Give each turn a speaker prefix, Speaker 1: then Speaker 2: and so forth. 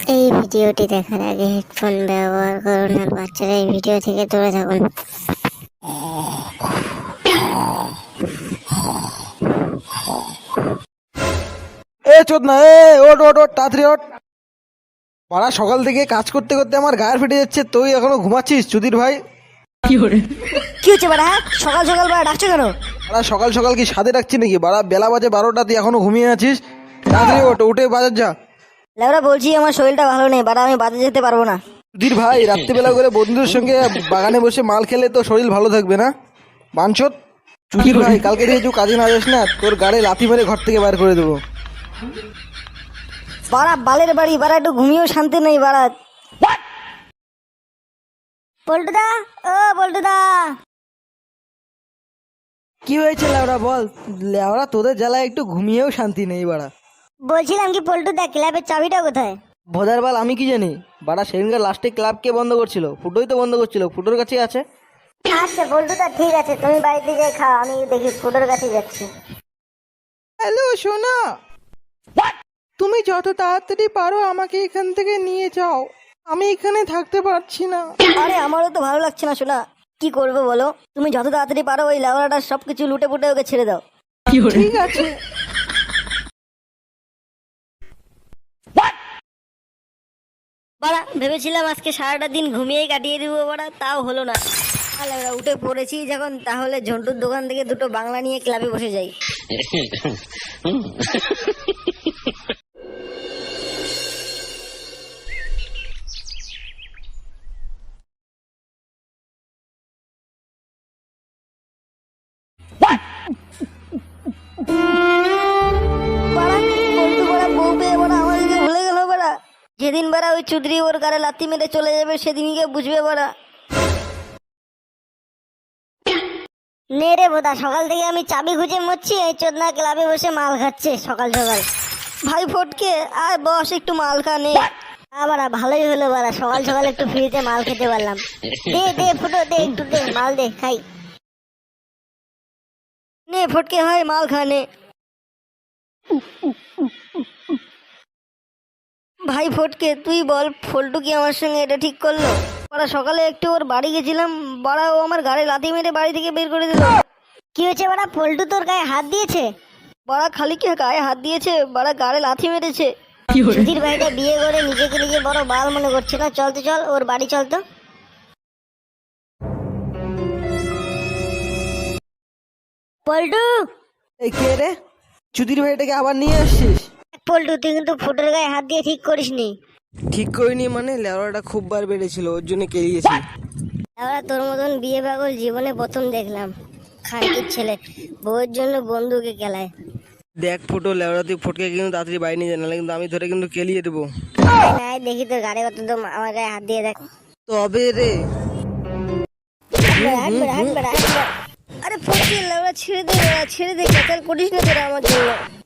Speaker 1: এই ভিডিওটি দেখার আগে হেডফোন ব্যবহার করুন আর বাচ্চারা এই ভিডিও থেকে দূরে থাকুন।
Speaker 2: এ চোদনা, এ ওট ওট ওট, তাড়াতাড়ি ওট। পাড়া সকাল থেকে কাজ করতে করতে আমার গায়ের ফেটে যাচ্ছে, তুই এখনো ঘুমাচ্ছিস চুদির ভাই?
Speaker 3: কি হচ্ছে বাড়া? সকাল সকাল বাড়া ডাকছো কেন?
Speaker 2: পাড়া সকাল সকাল কি সাদে ডাকছি নাকি? বাড়া বেলা বাজে 12টা, তুই এখনো ঘুমিয়ে আছিস? তাড়াতাড়ি ওট, উঠে বাজার যা।
Speaker 3: লেবরা বলছি আমার শরীরটা ভালো নেই বাড়া, আমি বাজারে যেতে পারবো না।
Speaker 2: চুদির ভাই, রাত্রিবেলা করে বন্ধুদের সঙ্গে বাগানে বসে মাল খেলে তো শরীর ভালো থাকবে না? বাঞ্ছত চুদির ভাই, কালকে থেকে তুই কাজে না যাস না, তোর গাড়ি লাথি মেরে ঘর থেকে বার করে দেবো।
Speaker 3: বাড়া বালের বাড়ি বাড়া, একটু ঘুমিয়েও শান্তি নেই বাড়া। পল্টুদা, ও পল্টুদা।
Speaker 2: কি হয়েছে লেওড়া বল? লেওড়া তোদের জ্বালায় একটু ঘুমিয়েও শান্তি নেই বাড়া।
Speaker 3: বলছিলাম কি পল্টুদা, ক্লাবের চাবিটা কোথায়?
Speaker 2: ভোদার বাল আমি কি জানি বাড়া, সেদিনকার লাস্টে ক্লাব কে বন্ধ করছিল? ফুটোই তো বন্ধ করছিল, ফুটোর কাছেই আছে।
Speaker 3: আচ্ছা পল্টুদা ঠিক আছে, তুমি বাড়িতে যাই খাও, আমি দেখি ফুটোর কাছে যাচ্ছি।
Speaker 2: হ্যালো সোনা, তুমি যত তাড়াতাড়ি পারো আমাকে এখান থেকে নিয়ে যাও, আমি এখানে থাকতে পারছি না।
Speaker 3: আরে আমারও তো ভালো লাগছে না শোনা, কি করবো বলো? তুমি যত তাড়াতাড়ি পারো ওই লেবরাটা সবকিছু লুটে পুটে ওকে ছেড়ে দাও।
Speaker 2: ঠিক আছে।
Speaker 3: বাড়া ভেবেছিলাম আজকে সারাটা দিন ঘুমিয়েই কাটিয়ে দিব বাড়া, তাও হলো না। তাহলে আমরা উঠে পড়েছি যখন, তাহলে ঝন্টুর দোকান থেকে দুটো বাংলা নিয়ে ক্লাবে বসে যাই। বাড়া পল্টু বাড়া বউ পেয়ে বাড়া আমাদেরকে ভুলে গেল বাড়া। যেদিন বাড়া ওই চুদরি ওর গাড়ে লাথি মেরে চলে যাবে সেদিনকে বুঝবে বাড়া। নে রে বোদা, সকাল থেকে আমি চাবি খুঁজে মরছি, এই চোদনা ক্লাবে বসে মাল খাচ্ছে সকাল সকাল। ভাই ফটকে আর বস, একটু মাল খা নে। বাড়া ভালোই হলো বাড়া, সকাল সকাল একটু ফ্রিতে মাল খেতে পারলাম। দে দে ফুটো, দে একটু দে, মাল দে খাই। নে ফটকে হয় মাল খা নে। ভাই ফটকে তুই বল, ফল্টু কি আমার সঙ্গে এটা ঠিক করলো? বাড়া সকালে একটু ওর বাড়ি গেছিলাম, বাড়া ও আমার গাড়ি লাথি মেরে বাড়ি থেকে বের করে দিল। কি হয়েছে বাড়া? পল্টু তোর গায়ে হাত দিয়েছে? বাড়া খালি কি গায়ে হাত দিয়েছে, বাড়া গাড়ি লাথি মেরেছে। সুধীর ভাইটা বিয়ে করে নিজেকে নিজে বড় বাল মনে করছে না। চল তো চল, ওর বাড়ি চল তো। পল্টু,
Speaker 2: এই কে রে? চুদির ভাইটাকে আবার নিয়ে আসছিস?
Speaker 3: পল্টু তুই কিন্তু ফুটোর গায়ে হাত দিয়ে ঠিক করিসনি।
Speaker 2: ঠিক করিনি মানে? লেওড়াটা খুব বার বেড়েছিল, ওর জন্য কেলিয়েছি।
Speaker 3: এবার তোর মতন বিয়ে পাগল জীবনে প্রথম দেখলাম। খানকির ছেলে বউয়ের জন্য বন্ধুকে খেলায়।
Speaker 2: দেখ ফুটো, লেওড়া তুই ফটকে কিন্তু তাড়াতাড়ি বাড়ি নিয়ে জানালে কিন্তু আমি ধরে কিন্তু কেলিয়ে দেবো।
Speaker 3: নাই দেখি তোর গাড়ি কত দম, আমার গায়ে হাত দিয়ে দেখ।
Speaker 2: তবে রে।
Speaker 3: আরে ফটকে ছেড়ে দে, ছেড়ে দে, ক্যাচাল করিস না তোরা আমার জন্য।